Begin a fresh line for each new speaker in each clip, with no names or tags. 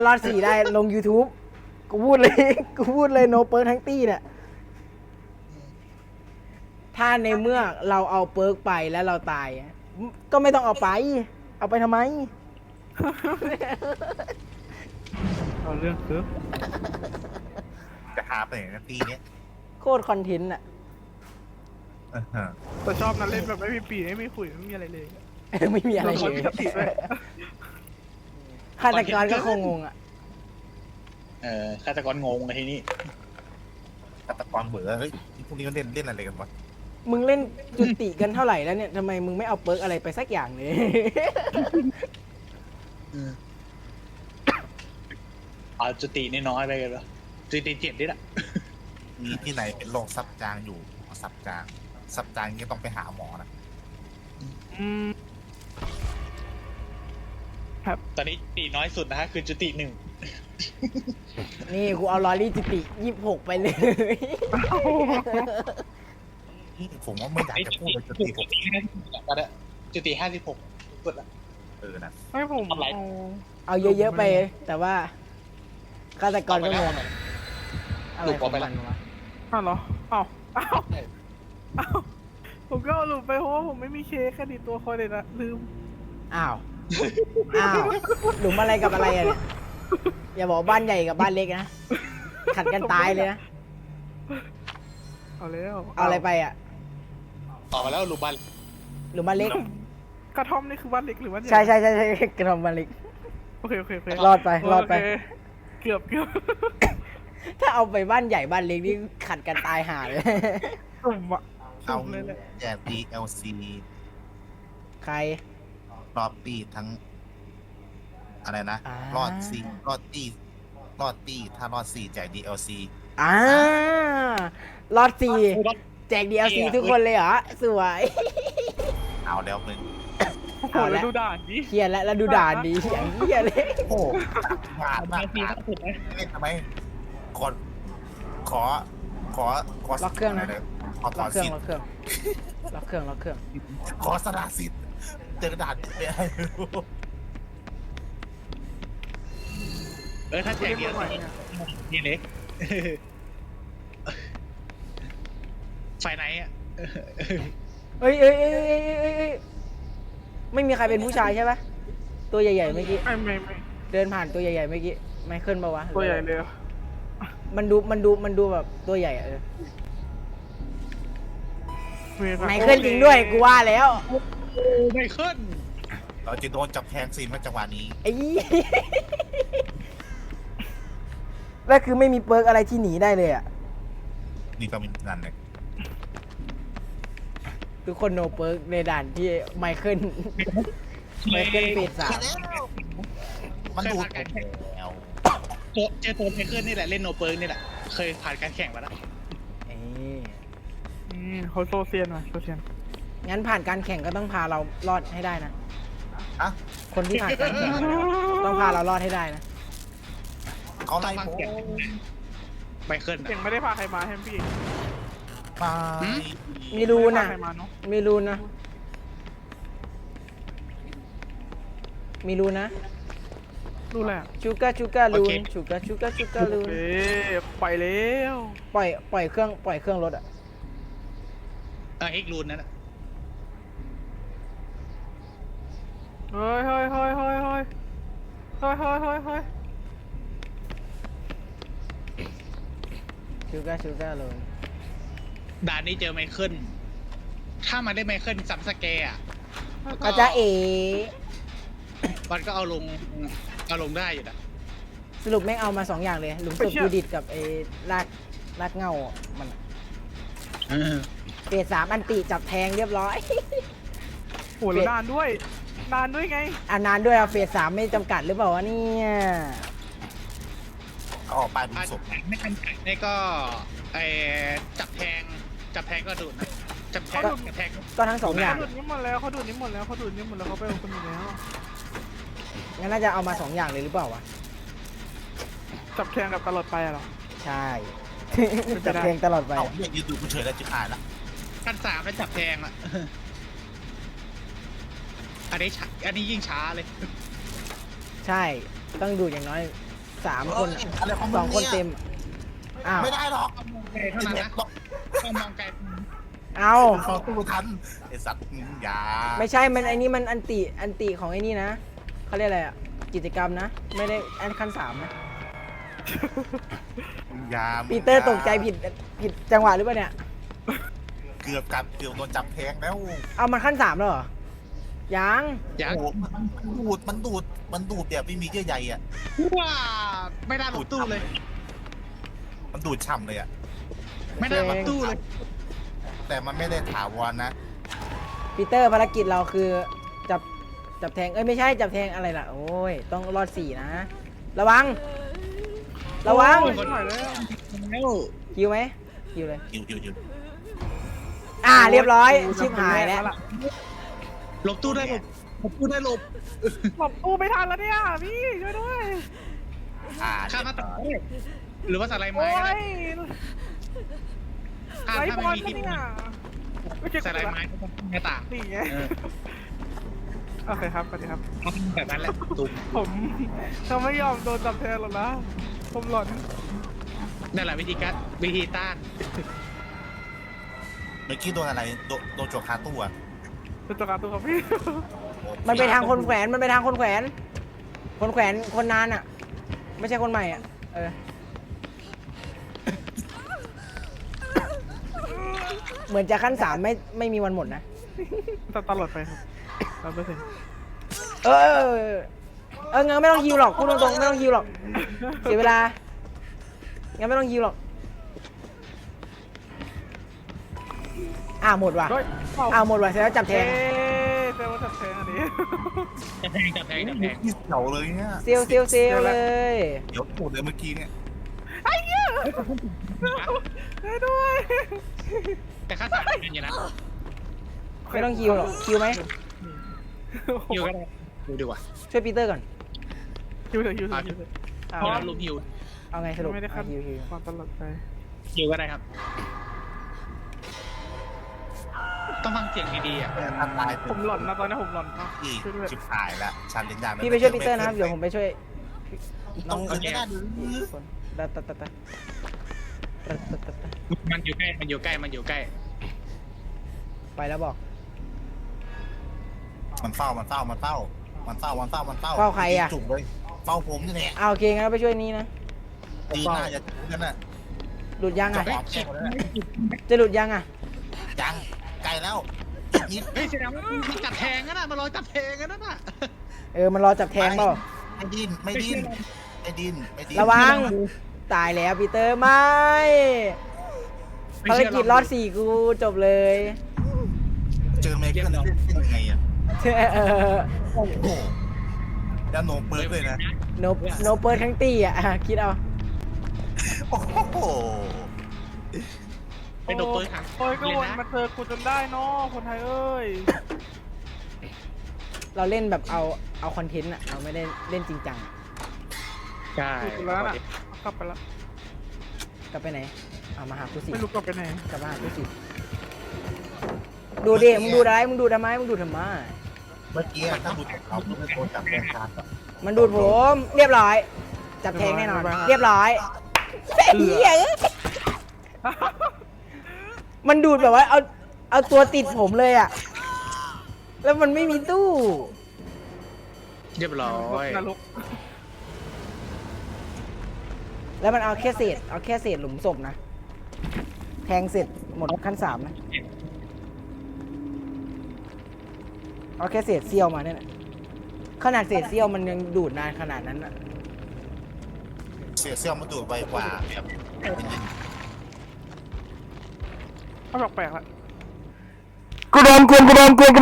รอด4ได้ลง YouTube กูพูดเลยกูพูดเลยโนเปิร์กทั้งตี้เนี่ยถ้าในเมื่อเราเอาเปิร์กไปแล้วเราตายก็ไม่ต้องเอาไป เอาไปทำไม
เอาเรื่องคือ
จะหาไปไหนนะปีเนี้ย
โคตรคอนเทนต์อ่ะ
แต่ชอบนั้นเล่นแบบไม่มีปีไม่มีขุยไม่มีอะไรเลย
ไม่มีอะไร
ค
เล
น
ย
ปกติด้วย
ฆาตกรก็คงงงอ่ะ
ฆาตกรงงในที่นี้
ฆาตกรเบื่อเฮ้ยพวกนี้ก็เล่นอะไรกันวะ
มึงเล่นจุติกันเท่าไหร่แล้วเนี่ยทำไมมึงไม่เอาเปิร์กอะไรไปสักอย่างเลย
เอาจุติน้อยๆไปกันวะจุติ7นี่แหละ
มีที่ไหนเป็นโรคซับจางอยู่ซับจางนี่ต้องไปหาหมอนะ
อืม
ตอนนี้จุติน้อยสุดนะฮะคือจุติ1
นี่กูเอาลอรี่จุติ26ไปเลย
ผมว่าไม่อยากจะพูดเลยจะตีผม
ก็ได้จุติ56สุดละ
นะ
ให้ผม
ทำไร
เอาเยอะๆไป แต่ว่าฆาตกรก็งงอะไรของมันวะ
อ้าวเหรออ้าวผมก็เอาหลุดไปเพราะว่าผมไม่มีเค้กแค่ดีตัวคอยเลยนะลืม
อ้าวหลุมอะไรกับอะไรอะเนี่ยอย่าบอกบ้านใหญ่กับบ้านเล็กนะขัดกันตายเลยนะ
เอาแล้ว
เอาอะไรไปอ่ะ
ต่อมาแล้วลูบัน
หลุมบ้านเล็ก
กระท่อมนี่คือบ้านเล็กหรือบ้านใหญ่
ใช่กระทำบ้านเล็ก
โอเคโอเค
รอดไป
โเคเกือบ
ถ้าเอาไปบ้านใหญ่บ้านเล็กนี่ขัดกันตายห่าเลย
สุ่มอะ
เอา
สุ่มเลยแหละ
แจก DLC
ใคร
รอบตีทั้ง อะไรนะ
อ่า
รอดตีถ้ารอด4แจก DLC
รอดสี่แจก DLC ทุกคนเลยเหรอ สวย
เอาแล้วมึง
โอ้โห
เอาละ
แล้วดูด่านดิ
เครียดแล้วดูด่านดีอย่างเหี้ยเลย
โอ้ผ่านมาก
ปีก็สุดนะ
เล่นทำไมขอ
ล็อกเครื่องนะ
ขอถ
ล็อ
อก น
เครื่อง
สิท
ล็
ธิ์
อกเครื่อง
ขอสละสิทธิ์เจอกระดาษไม่ให้
ถ้าแจกเดียวนี่เล็กไฟไหนอ่ะ
เอ้ยไม่มีใครเป็นผู้ชายใช่ปะตัวใหญ่ๆเมื่อกี้
ไม่
เดินผ่านตัวใหญ่ๆเมื่อกี้ไมเคิลปะวะ
ตัวใหญ่เลย
มันดูแบบตัวใหญ่อะไมเคิลจริงด้วยกูว่าแล้ว
ไม่ขึ้น
เราจะโดนจับแทงซีนมาจังหวะนี้
ไอ้ยี่ แล้วคือไม่มีเปิร์กอะไรที่หนีได้เลยอ่ะ
นี่ก็มีนั่นเลย
ทุกคนโนเปิร์กในด่านที่ไมเคิลเฟส3
มันดูดผมแล้ว
เจอตัวไมเคิลนี่แหละเล่นโนเปิร์กนี่แหละเคยผ่านการแข่งมาแล้ว
เขาโซเซียนมาโซเซียน
งั้นผ่านการแข่งก็ต้องพาเรารอดให้ได้นะ
อะ
คนที่ผ่านการแข่งต้องพาเรารอดให้ได้นะ
เขาไล่ผม
ไมเคิล
เก่งไม่ได้พาใครมาให้พี่
มา
มีรูนะ
ใครมาเนาะ
มีรูนะ มีรูนะ
ดูแหละ
ชูก้ารูนชูก้ารูน
เอ๊ไปแล้ว
ปล่อยเครื่องรถอ่ะ
เอ็กรูนนั่นแหละ
เฮ้ย
ชูก้ารูน
ด่านนี้เจอไมเคิลถ้ามันได้ไมเคิลซัมสแกร์อ่ะ
ก็จะเอ
มันก็เอาลงได้อยู่นะ
สรุปแม่งเอามา2อย่างเลยหลุมศพยูดิตกับไอ้ลากเงามันเฟส3อันติจับแทงเรียบร้อย
โหแล้วนานด้วยไง
อันนานด้วยอะเฟส3ไม่จำกัดหรือเปล่าวะเนี่ย
เขาออกไปเป็นศพ
ไม่ทันนี่ก็ไอจับแทงก็ดูดนะจับแทง
ก็ทั้ง2อย่าง
เขาดูดนี้หมดแล้วเขาดูดนี้หมดแล้วเขาไปเอาคนอื่นแล้ว
งั้นน่าจะเอามา2อย่างเลยหรือเปล่าวะ
จับแทงกับตลอดไปอะเหรอ
ใช่ จับแทงตลอดไป
เอาเนี่ยยืนดูกูเฉยแล้วจิบหายละ
ขั้น3แล้วจับแทงอ่ะอันนี้ยิ่งช้าเลย
ใช่ต้องดูอย่างน้อย 3 คนอะ
อะไรของมึ
2 คนเต็มอ้าว
ไม่ได้หรอก
มองไกลเท่านั้นนะต้องมองไกล
เอา
เขาตู้ทันไอสัตว์มึงอย่า
ไม่ใช่มันไอ้นี่มันอันติของไอ้นี่นะเขาเรียกอะไรอ่ะกิจกรรมนะไม่ได้อันขั้น3นะ
มึงอย่า
ปีเตอร์ตกใจผิดจังหวะหรือเปล่าเนี่ย
เกือบโดนจับแทงแล้ว
เอามันขั้น3แล้วเหรอยัง
อย่า
โอ้โหมันดูดแบบไม่มีเยื่อใยอ่ะ
ว้าไม่ได้หลบตู้เลย
มันดูดช่ำเลยอ่ะ
ไม่ได้หลบตู้เลย
แต่มันไม่ได้ถาวรนะ
ปีเตอร์ภารกิจเราคือจับแทงเอ้ยไม่ใช่จับแทงอะไรล่ะโอ้ยต้องรอด4นะระวัง
โอ้ยไม่ไหวแล้ว
แล้ว
คิวไหมคิวเลย
อยู่
เรียบร้อยชิบหายแล้ว
หลบตู้ได้หลบตู้ได้หลบ
หลบตู้ไม่ทันแล้วเนี่ยพี่ช่วยด้วย
ข้ามหน้าต่างได้หรือว่าสไลด์ไม้
โอ้
ก็ได้
ย
ถ้า
ไล่
ถ้า
บอ
ไม่
ล
มี
มา
ที่
เนี่ยไม่เก็บ
สไลด์ไม้ก็ต้องหน้าต่าง
นี่ไง
เออ
โอเคครับสวัสดีครับ
เอาแบบนั้นแหละตุ้ม
ผมจะไม่ยอมโดนจับแทนหรอกนะผมหลอน
นั่นแหละวิธีต้าน
เมื่อกี้โดนอะไรโดนจวกคาตู้อ่ะ
เป็นตัวการตัวครับพี่
มันไปทางคนแขวนคนนานอ่ะ ไม่ใช่คนใหม่อ่ะเหมือนจะขั้น3ไม่มีวันหมดนะ
ตลอดไปครับ100%
งั้นไม่ต้องฮิวหรอกพูดตรงๆไม่ต้องฮิวหรอกเสียเวลางั้นไม่ต้องฮิวหรอกหมดว่ะ
เฮ้ย
หมดว่ะเสร็จแล้วจับแทง
เจอว่าจับแทงอันนี้
จับแพง
ที่เสียวเลยเนี่ย
เซียวเลย
เดี๋ยวพูดเลยเมื่อกี้เนี่ย
ช่วยด้วย
แต่ค่าสายเป็นอย่างนั้น
ไม่ต้องฮิวหรอกฮิวไหม
ฮิวก็ได้ดูดีกว่า
ช่วยปีเตอร์ก่อน
ฮิวเถอะฮิวเถอะฮิวเถอะ
พอเราลุมฮิว
เอาไงสรุป
ไม่ได้ขั้น
ฮิว
ความตลอดไป
ฮิวก็ได้ครับ ต้องฟังเสียงดีๆอ่ะ
ถ้าตาย
ผมหลอนนะตอนนี้ผมหลอนมาก
พี่
ช่วยด้วย
ชิบหายละชันเลนยา
พี่ไปช่วยปีเตอร์นะครับเดี๋ยวผมไปช่วย
น้องเอิญไม่ได้หรือ
คนตัด
มันอยู่ใกล้
ไปแล้วบอก
มันเฝ้า
เฝ้าใครอะ
จุกเลยเฝ้าผมนี่แหละ
โอเคงั้นไปช่วยนี้นะ
ดีน่าจะนั่นน่ะ
หลุดยังอ่ะ
จะออกแค่คนนั้นน่ะ
จะหลุดยังอ่ะ
ยังไกลแล้วนิด
เฮ้ยแสดงว่ามันจับแทงกันนะมันรอจับแทงกันนะ
มันรอจับแทงเปล่า
ไม่ดิ้น
ระวังตายแล้วปีเตอร์ไม่ภารกิจรอด4กูจบเลย
เจอเมเกอร์เล่นยังไงอ่ะ
โอ้โห
โอ้โหแล้วโนเปิร์เลยนะ
โนเปิดทั้งตีอ่ะคิดเอา
โอ้โห
เป็นโดเปอร์ครับ
โอ้ยก็วนมาเจอกูจนได้เนาะคนไทยเอ้ย
เราเล่นแบบเอาคอนเทนต์อ่ะเราไม่ได้เล่นจริงจัง
ใช่
อยู่กูแล้วน่ะกลับไปละ
กลับไปไหนเอามาหากูสิ
ไม่รู้กลับไปไหน
กลับมาหากูสิดูดิมึงดูอะไรมึงดูทำไม
เมื่อกี้ถ้าดูจากเขาไม่โดนจับแรงการแบบ
มันดูดผมเรียบร้อย จับแทงแน่นอน เรียบร้อยเหี้ยมันดูดแบบว่าเอาตัวติดผมเลยอ่ะแล้วมันไม่มีตู้
เรียบร้อย
นรก
แล้วมันเอาแค่เศษหลุมศพนะแทงเสร็จหมดขั้น3นะเอาแค่เศษเสี้ยวมาเนี่ยนะขนาดเศษเสี้ยวมันยังดูดนานขนาดนั้นอ่ะ
เสียเซี่ยวมาดูดไวกว่าแบบ
เขาแปลกๆละ
กูโดนกวน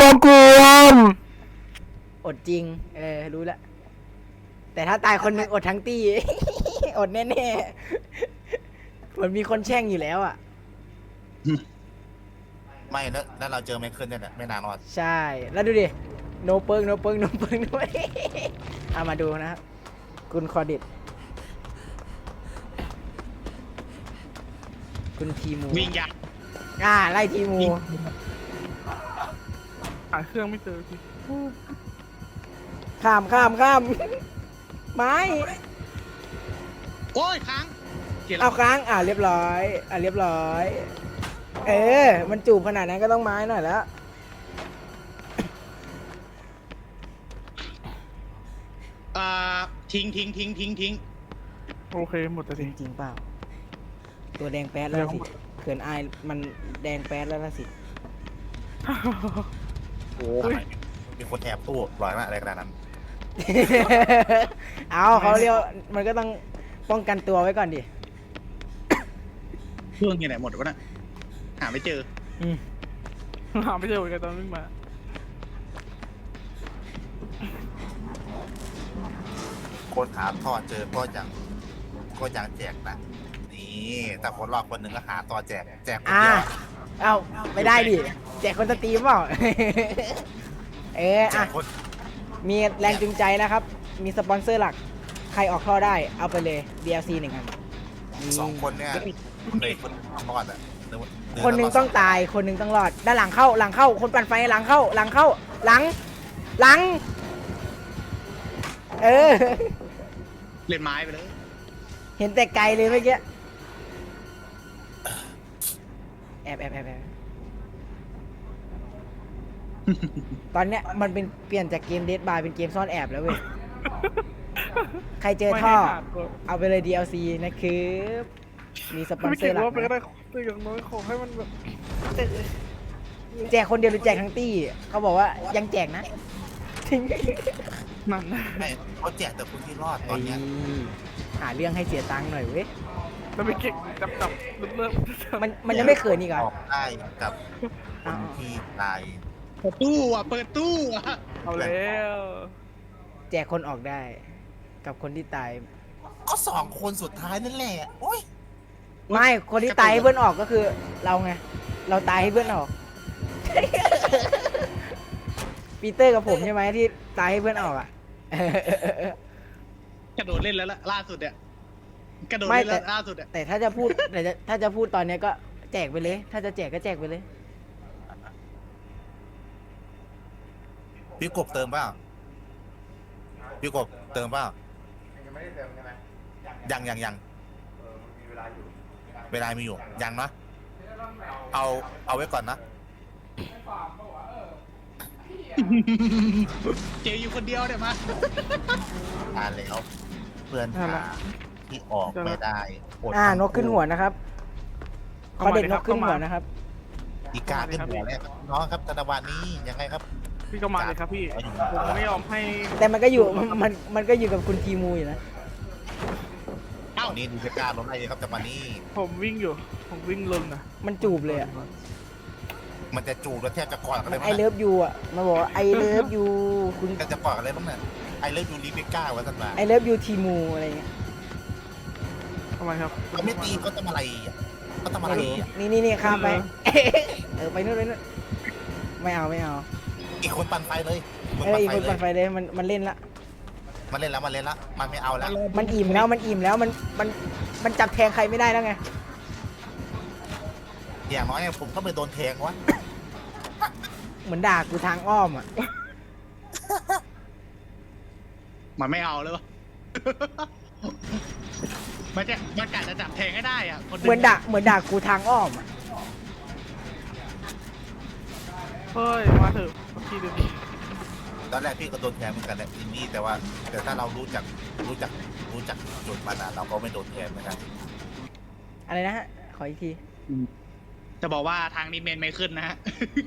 อดจริงรู้ละแต่ถ้าตายคนหนึงอดทั้งตี้ อดแน่ๆเหมือนมีคนแช่งอยู่แล้วอ่ะ
ไม่แล้วเราเจอไมเคิลเนี่ยแหละไม่นานรอด
ใช่แล้วดูดิโนเปิงด้วย เอามาดูนะครับคุณคอดิตคุณทีมู
วิ่งยัก
ไล่ทีมู
หาเครื่องไม่เจอที
ข้ามไม้
โอ้ยค้างเขียนแล้
เอา
ว
ค้างเรียบร้อยเรียบร้อยมันจูบขนาดนั้นก็ต้องไม้หน่อยแล้ว
ทิ้ง
โอเคหมดแต่
จ
ที
ริงๆเปล่า ตัวแดงแป๊ดแล้วสิเขินอายมันแดงแป๊ดแล้วสิ
โอ้ยมีคนแอบตู้ร้อยมากอะไรขนาดนั้น
เอาเขาเรียกมันก็ต้องป้องกันตัวไว้ก่อนดิ
เครื่องอยู่ไหนหมดวะน่ะหาไม่เจอ
หาไม่เจอเหมือนกันตอนวิ่งมา
คนหาท่อเจอก็ยังแจกนะนี่แต่คนรอบคนหนึ่งก็หาต่อแจกคนเดียว
เอาไม่ได้ดิแจกคนสตรีมเปล่า
แจกคน
มีแรงจูงใจนะครับ มีสปอนเซอร์หลัก ใครออกท่อได้ เอาไปเลย DLC 1 อัน
สองคนเนี่ยเลยคนรอดอ่ะ
คนหนึ่งต้องตาย คนหนึ่งต้องรอด ด้านหลังเข้า คนปั่นไฟหลังเข้า หลัง
เล่นไม้ไปเลย
เห็นแต่ไกลเลยเมื่อกี้ แอบ ตอนเนี้ยมันเป็นเปลี่ยนจากเกมเดดบายเป็นเกมซ่อนแอบแล้วเว้ย ใครเจอท่อ เอาไปเลย DLC นะครับมีสปอน
ไม่
เซอ
เก่ง
ร์หลัก
ว่าไปก็
นะ
ได้แต่อย่างน้อยขอให้มันแบบ
แจกคนเดียวหรือแจกทั้งตี้ เขาบอกว่ายังแจกนะ
นั่นนะ
ไม่เขาแจกแต่คนที่รอดตอนเนี้ย
หาเรื่องให้เสียตังค์หน่อยเว้ย
แล้วไปเก่งจับเริ่ม
มันยังไม่เขินอีกเหรอ
ออกได้กับคนที่ตาย
เปิดตู้อ่ะ
เอาแล้ว
แจกคนออกได้ กับคนที่ตาย
ก็สองคนสุดท้ายนั่นแหละโอ้ย
ไม่ คนที่ตายให้เพื่อนออกก็คือ เราไง เราตายให้เพื่อนออก ปีเตอร์กับผมใช่ไหมที่ตายให้เพื่อนออกอ่ะ
กระโดดเล่นแล้วล่าสุดเนี่ยกระโดด
ไม่
เล่น
แต่
แล้วล่าสุดเนี่ย
แต่ถ้าจะพูดถ้าจะพูดตอนเนี้ยก็แจกไปเลย ถ้าจะแจกก็แจกไปเลย
พี่กบเติมเปล่าพี่กบเติมเปล่ายังเวลามีอยู่ยังนะเอาไว้ก่อนนะ
เจออยู่คนเดียวเนี่ยมา
อ่านแล้วเพื่อนหาที่ออกไม่ได้อด
นกขึ้นหัวนะครับเขาเด็ดนกขึ้นหัวนะครับ
อีกาขึ้นหัวแล้วน้องครับธนวัฒน์นี้ยังไงครับ
พี่ก็มาเลยครับพี่ผมไม่ยอมให้
แต่มันก็อยู่ มันก็อยู่กับคุณทีมูอยู่นะ
เอ้า
ตอนนี้ดูจะกล้าลงได้เลยครับจังหวะนี้
ผมวิ่งอยู่ผมวิ่งลนนะ
มันจูบเลยอ่ะ
มันจะจูบแล้วแทบจะกอดกันเลย
ไอเลิฟยูอ่ะมันบอกไอเลิฟยูคุณ
แทบจะกอดกันเลยบ้างเนี่ยไอเลิฟยูรีเบคก้าวะท่านมา
ไอเลิฟยูทีมูอะไรเงี้ย
ทำไมครับ
เขาไม่ตีเขาทำอะไรอ่ะเขาทำอะไรอ่ะ
นี่ข้ามไป ไปนู่นไม่เอา
อีกคนปั่นไฟเลย
อีกคน
เล
ปั่
ย
นไฟเลยมันเล่นละ
มันเล่นแล้วมันไม่เอาแล้ว
มันอิ่มแล้วมันจับแทงใครไม่ได้แล้วไง
อย่างน้อยเนี่ยผมก็ไปโดนแทงวะ
เหมือนด่ากูทางอ้อมอ่ะ
มันไม่เอาเลยวะ มันกะจะจับแทงให้ได้อ่ะคน
เหมือนด่ากูทางอ้อมอ่ะ
เฮ้ยมาเถอะพี่เดี๋ยวนี้
ตอนแรกพี่ก็โดนแทงเหมือนกันแหละอินดี้แต่ถ้าเรารู้จักจุดมันอะเราก็ไม่โดนแทงเหมือนกัน
อะไรนะฮะ ขออีกที
จะบอกว่าทางนี้เมนไม่ขึ้นนะฮะ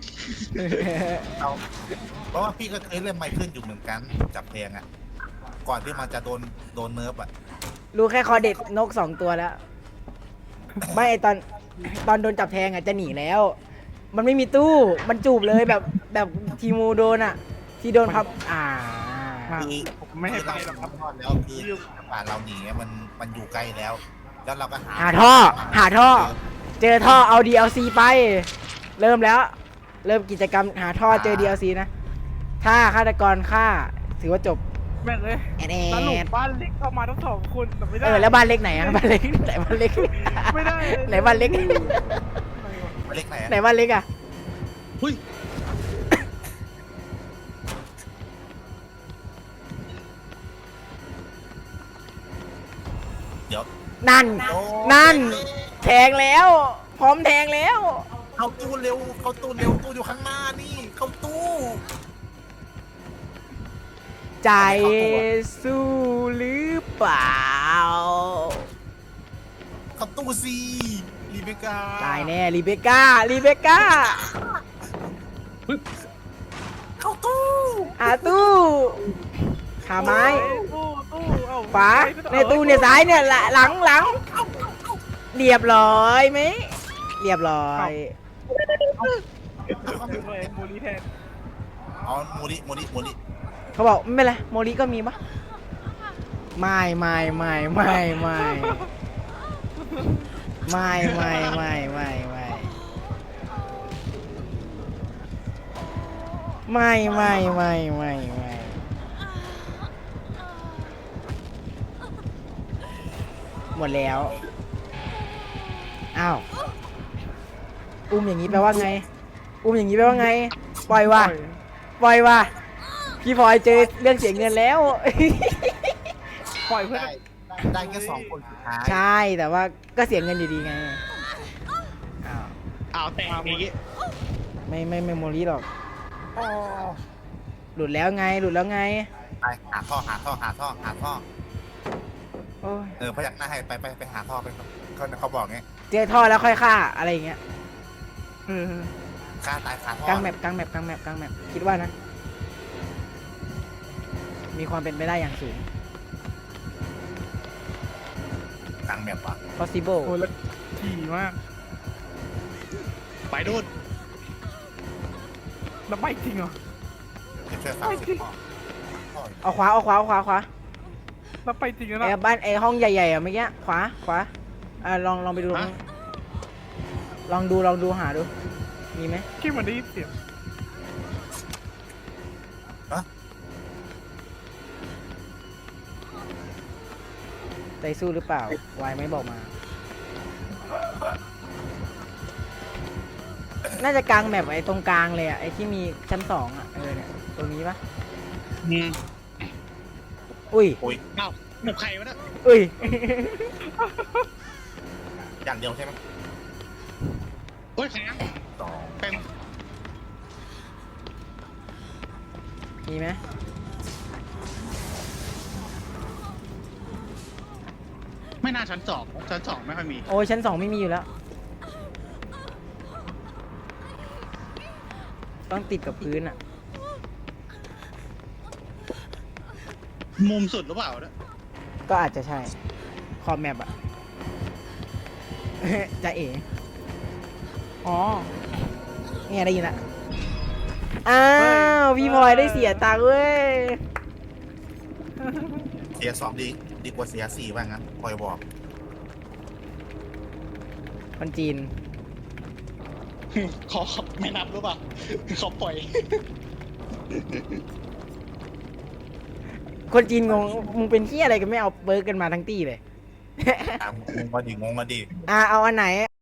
เพราะว่าพี่ก็เคยเล่นไมเคิลอยู่เหมือนกันจับแทงอะก่อนที่มันจะโดนเนิร์ฟอะ
รู้แค่คอเด็ดนก2 ตัวแล้ว ไม่ตอนโดนจับแทงอ่ะจะหนีแล้ว มันไม่มีตู้ มันจูบเลยแบบทีมูโดนอ่ะ ที่โดนพับ
คือ
ผมไม่ให้ไปหรอกครับ
ทอดแล้วคือป่านเราหนีมันอยู่ใกล้แล้ว แล้วเราก็หา
หาท่อ เจอท่อเอา DLC ไป เริ่มแล้ว เริ่มกิจกรรมหาท่อเจอ DLC นะ ถ้าฆาตกรฆ่าถือว่าจบ
แม่งเลย
แอด
สรุปบ้านเล็กเข้ามาทั้ง2 คนแต่ไม่ได้
แล้วบ้านเล็กไหนอ่ะบ้านเล็กไหนบ้านเล็ก
ไม่ได้
ไหนบ้านเล็ก
เล็กไหน
ไหนบ้านเล็กอ่ะ
หุ้ย
ยเดี๋ยว
นั่น
โอ้
นั่น แทงแล้ว พร้อมแทงแล้ว
เข้าตู้เร็วเข้าตู้เร็วตู้อยู่ข้างหน้านี่เข้าตู้
ใจสู้หรือเปล่า
เข้าตู้สิรีเบคก้า
ตายแน่รีเบคก้ารีเบคก้า
เข้าตู้
หาตู้หาไม้
ตู้เอ้า
ขวาในตู้เนี่ยซ้ายเนี่ยหลังเรียบร้อยไหมเรียบร้อย
เลยโมลีแทน
อ๋อโมริ
เขาบอกไม่เป็นไรโมริก็มีปะไม่ไม่ไม่ไม่ไม่ไม่ไม่ไม่ไม่ไม่ไม่ไม่ไม่หมดแล้วอ้าวอุ้มอย่างนี้แปลว่าไงอุ้มอย่างนี้แปลว่าไงปล่อยว่ะปล่อยว่ะพี่พลอยเจอเรื่องเสียเงินแล้ว
ปล่อยเพื่อน
ได้แค่2 คนสุดท้าย
ใช่แต่ว่าก็เสียเงินอยู่ดีไงอ้าว
เอาแต่อย่างงี้
ไม่เมมโมรี่หรอก
อ๋อ
หลุดแล้วไงหลุดแล้วไง
ไปหาท่อ
โอ้ย
พยักหน้าให้ไปหาท่อไปเขาบอกไง
เจอท่อแล้วค่อยฆ่าอะไรอย่างเงี้ย
ฆ่าตายคาท่อก
ลางแมปคิดว่านะ มีความเป็นไปได้อย่างสูง
กลางแมปว่ะ
possible
โอ้แล้วถี่มาก
ไปดูด
แล้วไม่จริงเหรอ
ช่วย30ท่อ
เอาขวา
แล้วไปจริงแล้ว
ไอ้
นะ
บ้านไอ้ห้องใหญ่ๆอ่ะเมื่อกี้ขวาลองไปดูลองดูหาดูมีไหม
คิดมันได้ยินเสียง
ใจสู้หรือเปล่า วายไม่บอกมา น่าจะกลางแมปไอ้ตรงกลางเลยอ่ะ ไอ้ที่มีชั้น2อ่ะ เนี่ย ตรงนี้ปะ
อืม
อุ้ย
เอ้าหมกไข่วะเนี่ย
อุ้ย
อย่างเดียวใช่ไหม
โอ้ยแข็ง
2
เต็ม
มีไหม
ไม่น่าชั้นสองไม่ค่อยมี
โอ้ยชั้น2ไม่มีอยู่แล้ว ต้องติดกับพื้นอ่ะ
มุมสุดหรือเปล่าเนี่ย
ก็อาจจะใช่ ขอบแมปอ่ะ จะเอ๋
อ๋อ
เนี่ยได้ยินละอ้าวพี่พลอยได้เสียตังค์เว้ย
เสีย2ดีกว่าเสีย4ว่างั้นคอยบอก
คนจีน
ขอไม่นับหรือเปล่าเขาปล่อย
คนจีนงง มึงเป็นที่อะไรกันไม่เอาเบิร์กกันมาทั้งตี้เลย
งงมาดิ
เอาอันไหน